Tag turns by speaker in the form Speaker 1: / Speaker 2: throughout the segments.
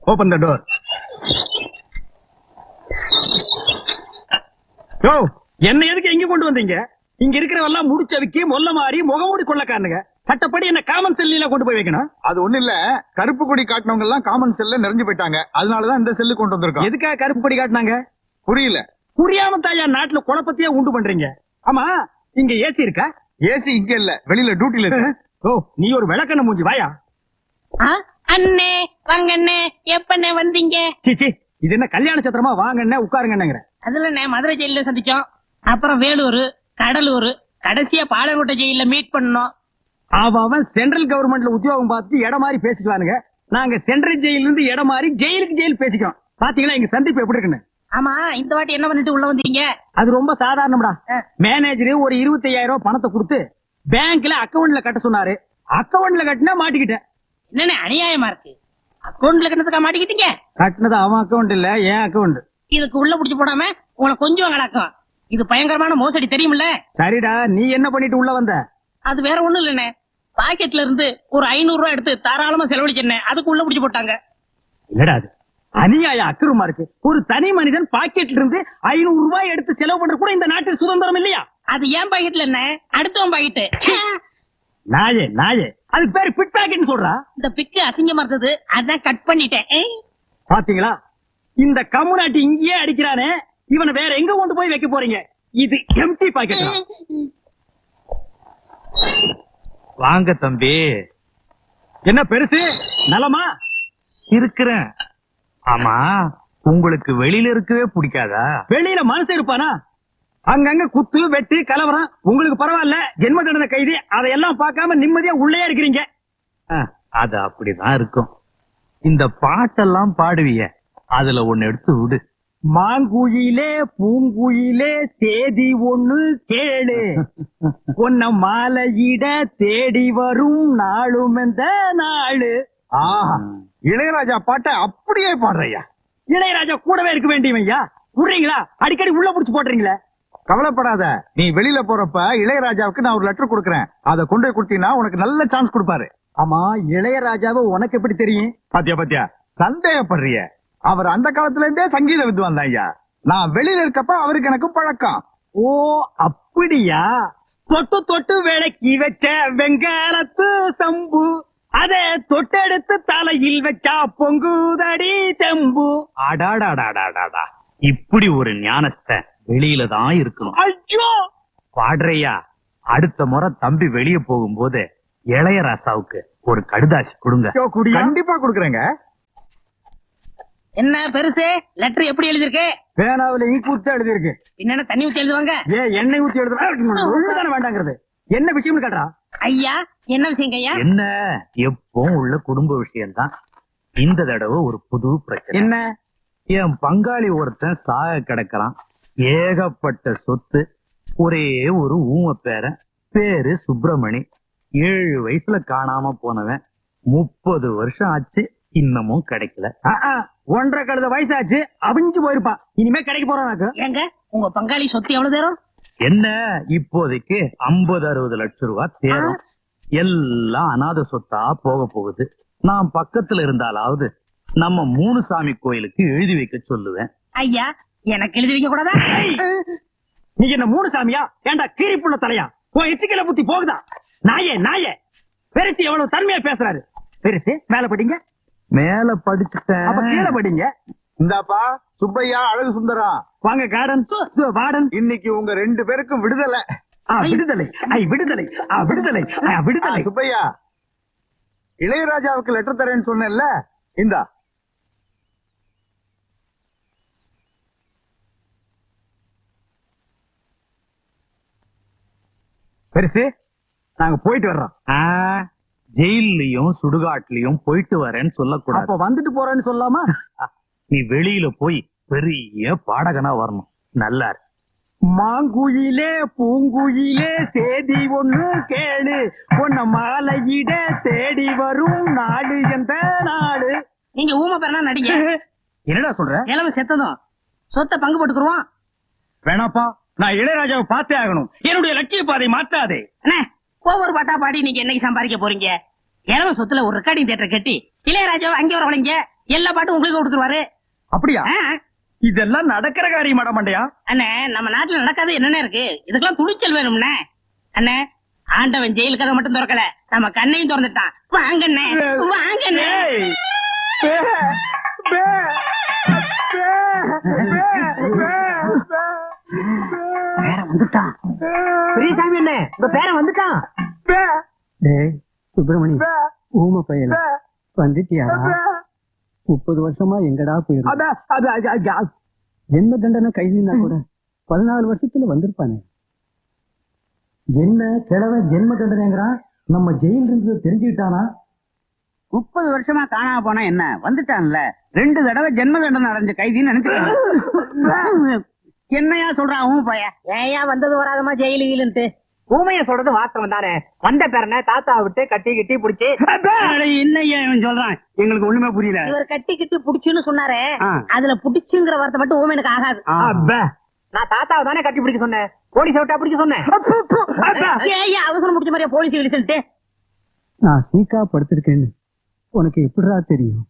Speaker 1: Open the door. யோ, என்ன எதுக்கு எங்க கொண்டு வந்தீங்க? இங்க இருக்கிறவெல்லாம் முடிச்சதுக்கு மொல்ல மாறி முகமூடி கொள்ளக்காரனுங்க. சட்டப்படி என்ன காமன் செல்லில கொண்டு போய் வைக்கணும்.
Speaker 2: அது ஒண்ணு இல்ல, கருப்பு கொடி காட்டினவங்க எல்லாம் காமன் செல்ல நிறைஞ்சு போயிட்டாங்க. அதனாலதான் இந்த செல்லு கொண்டு வந்திருக்கோம்.
Speaker 1: எதுக்காக கருப்பு கொடி காட்டினாங்க?
Speaker 2: புரியல.
Speaker 1: புரியாம தாயா நாட்டுல குழப்பத்தையே உண்டு பண்றீங்க. ஆமா, இங்க ஏசி இருக்கா?
Speaker 2: ஏசி இங்க இல்ல, வெளியில டியூட்டில இருக்கு.
Speaker 1: ஓ, நீ ஒரு விளக்கண்ண மூஞ்சி வாயா.
Speaker 3: அண்ணே வாங்கண்ணே, எப்பண்ணே வந்தீங்க?
Speaker 1: சீச்சி, இது என்ன கல்யாண சத்திரமா? வாங்கண்ணே உட்காருங்கன்னுங்கிற.
Speaker 3: அதுல மதுரை ஜெயில சந்திச்சோம், அப்புறம் வேலூர், கடலூர், கடைசியா பாலக்கோட்டை ஜெயில மீட் பண்ணோம்.
Speaker 1: அவன் சென்ட்ரல் கவர்மெண்ட்ல உத்தியோகம் பார்த்துட்டு இடம் மாதிரி பேசிக்குவானுங்க. நாங்க சென்ட்ரல் ஜெயில இருந்து இடம் மாதிரி ஜெயிலுக்கு ஜெயில் பேசிக்கிறோம். பாத்தீங்களா எங்க சந்திப்பு எப்படி இருக்குன்னு?
Speaker 3: ஆமா, இந்த வாட்டி என்ன பண்ணிட்டு உள்ள வந்தீங்க?
Speaker 1: அது ரொம்ப சாதாரணம்டா. மேனேஜர் ஒரு 25,000 ரூபாய் பணத்தை கொடுத்து பேங்க்ல அக்கவுண்ட்ல கட்ட சொன்னாரு. அக்கவுண்ட்ல கட்டினா மாட்டிக்கிட்டேன்.
Speaker 3: என்னன்னு அநியாயமா இருக்கு. அக்கவுண்ட்ல கட்டணத்துக்கா மாட்டிக்கிட்டீங்க?
Speaker 1: கட்டினது அவன் அக்கவுண்ட் இல்ல, என் அக்கவுண்ட்.
Speaker 3: இதுக்கு உள்ள புடிச்சு போடாம உங்களை கொஞ்சம் கலக்கம். இது பயங்கரமான மோசடி தெரியுமில்ல?
Speaker 1: சரிடா, நீ என்ன பண்ணிட்டு உள்ள வந்த?
Speaker 3: அது வேற ஒண்ணும் இல்லண்ணே, பாக்கெட்ல இருந்து ஒரு 500 ரூபாய் எடுத்து தாராளமா செலவழிச்சேன். அதுக்கு உள்ள புடிச்சு போட்டாங்க.
Speaker 1: இல்லடா, அது அநியாய அக்கிரமா இருக்கு. ஒரு தனி மனிதன் பாக்கெட்ல இருந்து 500 ரூபாய் எடுத்து செலவு பண்ற கூட இந்த நாட்டில் சுதந்திரம் இல்லையா?
Speaker 3: அது ஏன் பாக்கெட்ல என்ன, அடுத்தவன் பாக்கெட்டு.
Speaker 1: நாயே நாயே, அதுக்கு பேரு பிட் பாக்கெட்னு சொல்றா.
Speaker 3: இந்த பிக்கு அசிங்கமா இருந்தது, அதான் கட் பண்ணிட்டேன்.
Speaker 1: பாத்தீங்களா, இந்த கம்முனாட்டி இங்கேயே அடிக்கிறானே, இவனை வேற எங்க கொண்டு போய் வைக்க போறீங்க? இது எம்டி பாக்கெட்.
Speaker 4: வாங்க தம்பி.
Speaker 1: என்ன பெருசு, நலமா
Speaker 4: இருக்கிறேன். ஆமா, உங்களுக்கு வெளியில இருக்கவே பிடிக்காதா?
Speaker 1: வெளியில மனசு இருப்பானா? அங்கங்க குத்து வெட்டு கலவரம். உங்களுக்கு பரவாயில்ல, ஜென்ம தண்டனை கைதி. அதையெல்லாம் பார்க்காம நிம்மதியா உள்ளே இருக்கிறீங்க.
Speaker 4: அது அப்படிதான் இருக்கும். இந்த பாட்டெல்லாம் பாடுவிய, அதுல ஒண்ணு எடுத்து விடு.
Speaker 1: மாங்குயிலே பூங்குயிலே தேதி ஒண்ணு கேளு, பொன்ன மாலையிட தேடி வரும் நாளும் எந்த நாளு.
Speaker 2: ஆஹா, இளையராஜா பாட்டை அப்படியே பாடுறையா.
Speaker 1: இளையராஜா கூடவே இருக்க வேண்டியவையா? விடுறீங்களா? அடிக்கடி உள்ள புடிச்சு போடுறீங்களே.
Speaker 2: கவலைப்படாத, நீ வெளியில போறப்ப இளையராஜாவுக்கு நான் ஒரு லெட்டர் கொடுக்கறேன். அதை கொண்டு போய் கொடுத்தீங்கன்னா உனக்கு நல்ல சான்ஸ் கொடுப்பாரு.
Speaker 1: ஆமா, இளையராஜாவை உனக்கு எப்படி தெரியும்?
Speaker 2: பாத்தியா பாத்தியா, சந்தேகப்படுறிய? அவர் அந்த காலத்துல இருந்தே சங்கீத வித்வான் தான் ஐயா. நான் வெளியில இருக்கப்ப அவருக்கு எனக்கு பழக்கம்.
Speaker 1: ஓ அப்படியா? தொட்டு தொட்டு விளக்கி வச்ச வெங்காலத்து சம்பு, அதை தொட்டெடுத்து தலையில் வச்சா பொங்குதடி தெம்பு.
Speaker 4: அடாடாடாடாடாடா, இப்படி ஒரு ஞானஸ்த வெளியில தான் இருக்கணும்.
Speaker 1: ஐயோ
Speaker 4: பாடுறையா, அடுத்த முறை தம்பி வெளிய போகும்போது இளையராசாவுக்கு ஒரு கடுதாசி கொடுங்க.
Speaker 2: கண்டிப்பா கொடுக்கறேங்க.
Speaker 3: என்ன பெருசு, லெட்டர் எப்படி எழுதிருக்கு?
Speaker 1: பேனாவில இங்கு ஊத்தி எழுதி இருக்கு.
Speaker 3: என்ன தண்ணி ஊத்தி எழுதுவாங்க?
Speaker 1: எண்ணெய் ஊத்தி எழுதுறானே வேண்டாங்கிறது என்ன விஷயம்னு கேட்டா?
Speaker 3: ஐயா, என்ன விஷயம் ஐயா?
Speaker 4: என்ன, எப்பவும் உள்ள குடும்ப விஷயம் தான். இந்த தடவை ஒரு புது பிரச்சனை.
Speaker 1: என்ன?
Speaker 4: என் பங்காளி ஒருத்தன் சாக கிடக்கிறான். ஏகப்பட்ட சொத்து, ஒரே ஒரு ஊம பேரன், பேரு சுப்பிரமணி. 7 வயசுல காணாம போனவன். 30 வருஷம் ஆச்சு, இன்னமும் கிடைக்கல.
Speaker 1: 1.5 கழுத வயசாச்சு, அவிஞ்சு போயிருப்பான். இனிமே கிடைக்க போறான்.
Speaker 3: ஏங்க, உங்க பங்காளி சொத்து எவ்வளவு தேரும்?
Speaker 4: என்ன, இப்போதைக்கு 50-60 லட்சம் ரூபாய் தேரும். எல்லாம் அநாத சொத்தா போக போகுது. நான் பக்கத்துல இருந்தாலாவது நம்ம 3 சாமி கோயிலுக்கு எழுதி வைக்க சொல்லுவேன்.
Speaker 3: ஐயா, எனக்கு எழுதி வைக்க கூடாதா?
Speaker 1: நீ என்ன 3 சாமியா? ஏண்டா கீரிப்புள்ள தலையா? உன் எச்சிக்கல புத்தி போகுதா? நாயே நாயே, பெருசு எவ்வளவு தன்மையா பேசுறாரு. பெருசு மேல படிங்க.
Speaker 4: மேல படிச்சுட்டேன்,
Speaker 1: அப்ப கீழே படிங்க.
Speaker 2: இந்தாப்பா சுப்பையா, அழகு சுந்தரம்.
Speaker 1: வாங்க கார்டன் வார்டன்.
Speaker 2: இன்னைக்கு உங்க 2 பேருக்கும் விடுதலை.
Speaker 1: விடுதலை, விடுதலை, விடுதலை, விடுதலை.
Speaker 2: சுப்பையா, இளையராஜாவுக்கு லெட்டர் தரேன்னு சொன்னேன்ல, இந்தா.
Speaker 1: பெருசு, நாங்க போயிட்டு வர்றோம்.
Speaker 4: ஜெயிலையும் சுடுகாட்லயும் போயிட்டு வரேன்னு சொல்லக்கூடாது.
Speaker 1: அப்ப வந்துட்டு போறேன்னு சொல்லாமா?
Speaker 4: நீ வெளியில போய் பெரிய பாடகனா வரணும். நல்லா இருக்கு.
Speaker 1: மாங்குயிலே பூங்குயிலே தேதி ஒண்ணு கேளு, பொன்ன மாலையிட தேடி வரும் நாடு எந்த நாடு.
Speaker 3: நீங்க ஊம பேரனா நடிங்க.
Speaker 1: என்னடா சொல்ற?
Speaker 3: கிழமை செத்ததும் சொத்தை பங்கு போட்டுக்குருவோம்.
Speaker 1: வேணாப்பா, நான் இளையராஜாவை பார்த்தே ஆகணும். என்னுடைய லட்சிய பாதை மாத்தாதே.
Speaker 3: அண்ணே, ஒவ்வொரு பாட்டா பாடி நீங்க என்னைக்கு சம்பாதிக்க போறீங்க? கிழமை சொத்துல ஒரு ரெக்கார்டிங் தியேட்டர் கட்டி இளையராஜாவை அங்கே வரவழைங்க. எல்லா பாட்டும் உங்களுக்கு கொடுத்துருவாரு.
Speaker 1: அப்படியா?
Speaker 3: ஆ.
Speaker 1: இதெல்லாம் நடக்கிற காரியமாட மண்டையா?
Speaker 3: அண்ணே நம்ம நாட்டுல நடக்காது என்னென்ன இருக்கு, இதுக்கெல்லாம் துணிச்சல் வேணும்னே. அண்ணே ஆண்டவன் ஜெயில் கதை மட்டும் திறக்கல, நம்ம கண்ணையும் திறந்துட்டான். வாங்கண்ணே வாங்கண்ணே.
Speaker 1: ஏய், பே, பே, பே, பே, பே,
Speaker 3: பேரன் வந்துட்டான். பெரியசாமி அண்ணே உங்க பேரன் வந்துட்டான்.
Speaker 1: பே,
Speaker 5: டேய் சுப்பிரமணி,
Speaker 1: பே,
Speaker 5: ஊமை பையல
Speaker 1: பே,
Speaker 5: வந்துட்டியாடா?
Speaker 1: பே.
Speaker 5: 30 வருஷமா எங்கடா போயிரு?
Speaker 1: அது
Speaker 5: என்ன தண்டனை கைதினா கூட 14 வருஷத்துல வந்திருப்பானே. என்ன கிழவ ஜென்ம தண்டனைங்கிறான்? நம்ம ஜெயில இருந்து தெரிஞ்சுக்கிட்டானா?
Speaker 6: 30 வருஷமா காணாம போனா என்ன, வந்துட்டான்ல. 2 தடவை ஜென்ம தண்டனை அடைஞ்ச கைதின்னு நினைச்சுக்க. என்னையா சொல்றான் அவன் பைய?
Speaker 3: ஏயா வந்தது வராதமா ஜெயிலு கீழுன்ட்டு.
Speaker 6: ஊமைய சொல்றது வாஸ்தவம் தானே. வந்த பேரனை தாத்தா விட்டு கட்டி கட்டி புடிச்சு.
Speaker 1: என்னையா இவன் சொல்றான்? எங்களுக்கு ஒண்ணுமே புரியல.
Speaker 3: இவர் கட்டி கிட்டி புடிச்சுன்னு சொன்னாரே,
Speaker 6: ஆ.
Speaker 3: அதுல புடிச்சுங்கிற வார்த்தை மட்டும் ஊமைனுக்கு ஆகாது.
Speaker 1: அப்பே,
Speaker 6: நான் தாத்தாவை தானே கட்டி பிடிக்க சொன்னேன், போலீஸ் விட்டா பிடிக்க சொன்னேன்.
Speaker 3: ஏயா அவசரம் முடிச்ச மாதிரியா போலீஸ் கிழிச்சுட்டு.
Speaker 5: நான் சீக்கா படுத்திருக்கேன்னு உனக்கு எப்படிடா தெரியும்?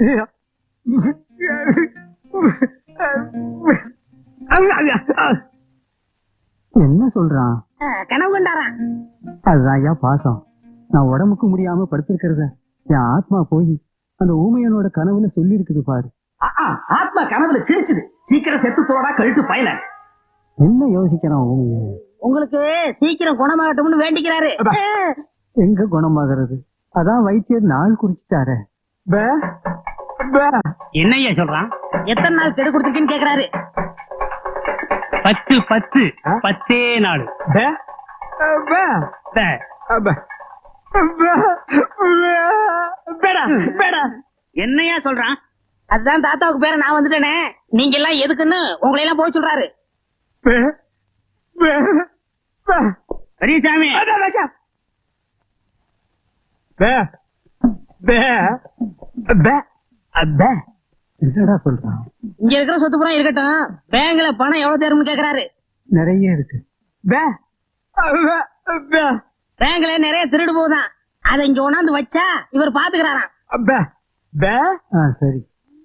Speaker 5: என்ன சொல்றான்?
Speaker 3: கனவு கண்டாராம்.
Speaker 5: அதுதான் ஐயா பாசம். நான் உடம்புக்கு முடியாம படுத்திருக்கிறத என் ஆத்மா போய் அந்த ஊமையனோட கனவுல சொல்லி இருக்குது பாரு.
Speaker 1: ஆத்மா கனவுல கிழிச்சுது. சீக்கிரம் செத்து தோடா கழுத்து பயல.
Speaker 5: என்ன யோசிக்கிறான் ஊமைய?
Speaker 3: உங்களுக்கு சீக்கிரம் குணமாகட்டும்னு வேண்டிக்கிறாரு.
Speaker 5: எங்க குணமாகிறது? அதான் வைத்தியர் நாள் குறிச்சிட்டாரு.
Speaker 1: பே, பே.
Speaker 3: என்னையா சொல்றான்? எத்தனை நாள் கெடு கொடுத்துருக்கேன்னு கேக்குறாரு.
Speaker 1: 10 10 10 நாள். பே, பே, பே, பே, பே, பேடா, பேடா.
Speaker 3: என்னையா சொல்றான்? அதுதான் தாத்தாவுக்கு பேர நான் வந்துட்டேனே, நீங்க எல்லாம் எதுக்குன்னு உங்களை எல்லாம் போய் சொல்றாரு.
Speaker 1: பே, பே, பே.
Speaker 3: பெரியசாமி
Speaker 1: பே, பே, பே, பே.
Speaker 5: என்னடா சொல்றான்?
Speaker 3: இங்க இருக்கிற சொத்து புறம் இருக்கட்டும், பேங்க்ல பணம் எவ்வளவு தேரும்னு கேக்குறாரு.
Speaker 5: நிறைய இருக்கு.
Speaker 1: பே, பே, பே,
Speaker 3: பேங்க்ல நிறைய திருடு போகுதான், அதை இங்க கொண்டாந்து வச்சா இவர் பாத்துக்கிறாராம்.
Speaker 1: பே, பே,
Speaker 5: சரி.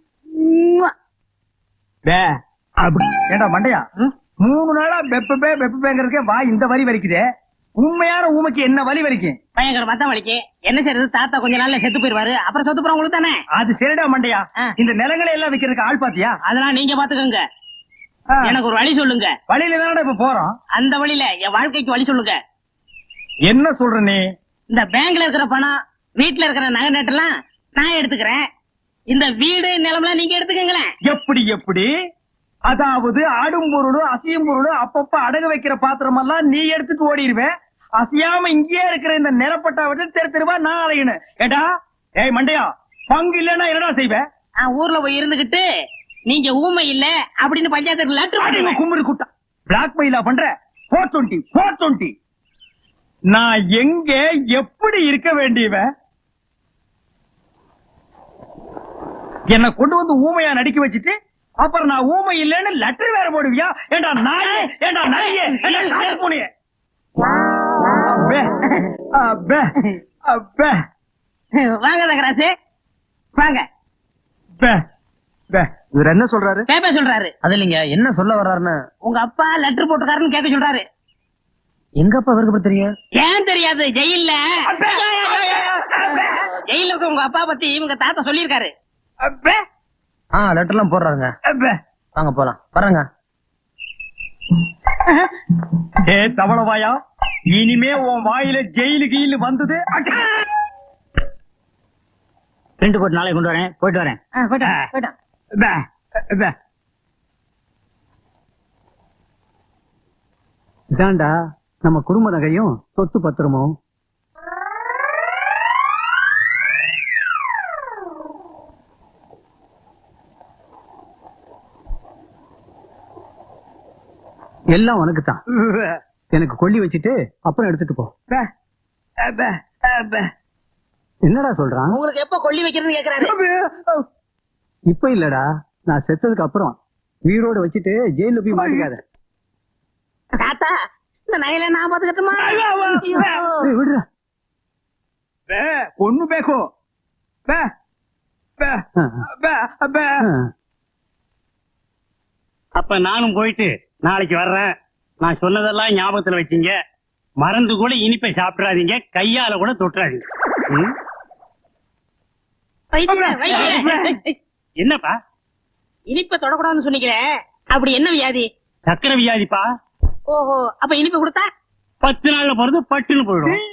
Speaker 1: பே. அப்படி ஏண்டா மண்டையா, 3 நாளா வெப்பேங்கிறதுக்கே வா இந்த வலி வலிக்குதே. உண்மையான ஊமைக்கு என்ன வலி வலிக்கும்?
Speaker 3: பயங்கர மத்தம் வலிக்கு. என்ன செய்யறது, தாத்தா கொஞ்ச நாள்ல செத்து போயிருவாரு, அப்புறம் சொத்து புறம் உங்களுக்கு தானே.
Speaker 1: அது சரிடா மண்டையா. இந்த நிலங்களை எல்லாம் விக்கிறதுக்கு ஆள் பாத்தியா?
Speaker 3: அதெல்லாம் நீங்க பாத்துக்கோங்க. எனக்கு ஒரு வழி சொல்லுங்க.
Speaker 1: வழியில தானடா இப்ப போறோம்.
Speaker 3: அந்த வழியில என் வாழ்க்கைக்கு வழி சொல்லுங்க.
Speaker 1: என்ன சொல்ற நீ?
Speaker 3: இந்த பேங்க்ல இருக்கிற பணம், வீட்டுல இருக்கிற நகை நட்டெல்லாம் நான் எடுத்துக்கிறேன். இந்த வீடு நிலம்லாம் நீங்க எடுத்துக்கங்களேன்.
Speaker 1: எப்படி எப்படி? அதாவது ஆடும் பொருளும் அசையும் பொருளும் அப்பப்ப அடகு வைக்கிற பாத்திரம் எல்லாம் நீ எடுத்துட்டு ஓடிடுவேன். அசையாம இங்கேயே இருக்கிற இந்த நிலப்பட்டா விட்டு தெரு தெருவா நான் அலையணும். ஏடா ஏய் மண்டையா, பங்கு இல்லன்னா என்னடா செய்வேன்?
Speaker 3: நான் ஊர்ல போய் இருந்துகிட்டு நீங்க ஊமை இல்ல அப்படின்னு பஞ்சாயத்து லெட்டர்
Speaker 1: கும்பிடு குட்டா பிளாக் மெயிலா பண்ற? 420 420. நான் எங்க எப்படி இருக்க வேண்டியவன்? என்ன கொண்டு வந்து ஊமையா நடிக்க வச்சுட்டு அப்புறம் நான் ஊமை இல்லன்னு லெட்டர் வேற போடுவியா? ஏண்டா நாயே, ஏண்டா நாயே, ஏண்டா காட்டு பூனையே. அப்பே அப்பே அப்பே.
Speaker 3: வாங்க தகராசு வாங்க.
Speaker 2: இவர் என்ன சொல்றாரு?
Speaker 3: பேப்பர் சொல்றாரு.
Speaker 6: அது இல்லைங்க, என்ன சொல்ல வர்றாருன்னு.
Speaker 3: உங்க அப்பா லெட்டர் போட்டுக்காருன்னு கேட்க சொல்றாரு.
Speaker 6: எங்க அப்பா அவருக்கு எப்படி தெரியும்?
Speaker 3: ஏன் தெரியாது? ஜெயில்ல ஜெயில இருக்க உங்க அப்பா பத்தி இவங்க தாத்தா சொல்லியிருக்காரு.
Speaker 1: அப்பே
Speaker 6: லெட்டர் எல்லாம் போடுறாருங்க.
Speaker 1: அப்பே.
Speaker 6: வாங்க போலாம், வர்றேங்க.
Speaker 1: ஏ தவளவாயா, இனிமே உன் வாயில ஜெயிலு கீழு வந்தது.
Speaker 3: 2 கோடி நாளைக்கு கொண்டு வரேன், போயிட்டு வரேன். போயிட்டான்.
Speaker 1: பே, பே.
Speaker 5: இதாண்டா நம்ம குடும்ப நகையும் சொத்து பத்திரமும். எல்லாம் உனக்கு தான். எனக்கு கொல்லி வச்சுட்டு அப்புறம் எடுத்துட்டு போ.
Speaker 1: பே, பே, பே.
Speaker 5: என்னடா சொல்றான்?
Speaker 3: உங்களுக்கு எப்ப கொல்லி வைக்கிறதுன்னு கேக்குறாரு.
Speaker 5: இப்ப இல்லடா, நான் செத்ததுக்கு அப்புறம் வீரோட வச்சுட்டு ஜெயில போய் மாட்டிக்காத.
Speaker 3: தாத்தா இந்த நகையில நான் பாத்துக்கட்டுமா?
Speaker 5: விடுறா.
Speaker 1: பே, பொண்ணு பேக்கோ. பே,
Speaker 7: அப்ப நானும் போயிட்டு நாளைக்கு வர்றேன். நான் சொன்னதெல்லாம் ஞாபகத்துல வச்சீங்க. மறந்து கூட இனிப்பை சாப்பிடாதீங்க, கையால கூட தொட்டுறாதீங்க. ம்? என்னப்பா
Speaker 3: இனிப்ப தொடக்கூடாதுன்னு சொன்னீங்களே, அப்படி என்ன வியாதி?
Speaker 7: சக்கரை வியாதிப்பா.
Speaker 3: ஓஹோ, அப்ப இனிப்பு கொடுத்தா
Speaker 7: 10 நாள்ல போறது பட்டுன்னு போயிடும்.